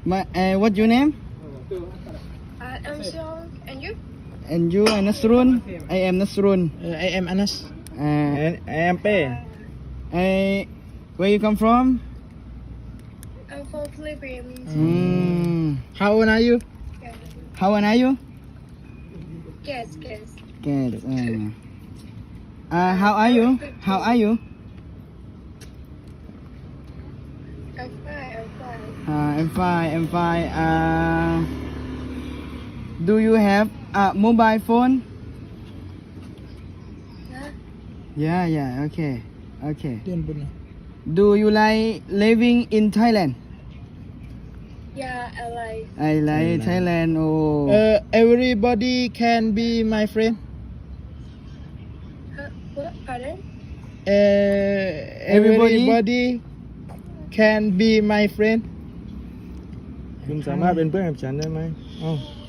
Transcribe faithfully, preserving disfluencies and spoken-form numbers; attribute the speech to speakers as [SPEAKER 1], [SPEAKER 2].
[SPEAKER 1] My, uh, what your name?
[SPEAKER 2] Uh, I'm Sean, and you?
[SPEAKER 1] And you are Nasrun? I am Nasrun.
[SPEAKER 3] Uh, I am Anas.
[SPEAKER 1] Uh,
[SPEAKER 3] And I am Pe.
[SPEAKER 1] I, where you come from?
[SPEAKER 2] I'm from Philippines.
[SPEAKER 1] Mm.
[SPEAKER 3] How old are you?
[SPEAKER 2] Yeah.
[SPEAKER 1] How old are you?
[SPEAKER 2] Yes, yes.
[SPEAKER 1] Good. Uh, uh, how are you? How are you?
[SPEAKER 2] I'm fine, I'm fine.
[SPEAKER 1] Uh, I'm fine. I'm fine. Uh, do you have a mobile phone?
[SPEAKER 2] Huh?
[SPEAKER 1] Yeah, yeah. Okay, okay.
[SPEAKER 3] เดือนบุญนะ
[SPEAKER 1] Do you like living in Thailand?
[SPEAKER 2] Yeah, I like.
[SPEAKER 1] I like Thailand. Oh.
[SPEAKER 3] Uh, everybody can be my friend.
[SPEAKER 2] Huh? What? Pardon?
[SPEAKER 3] Uh,
[SPEAKER 1] Everybody?
[SPEAKER 3] everybody can be my friend คุณสามารถเป็นเพื่อนกับฉันได้ไหมอ้าว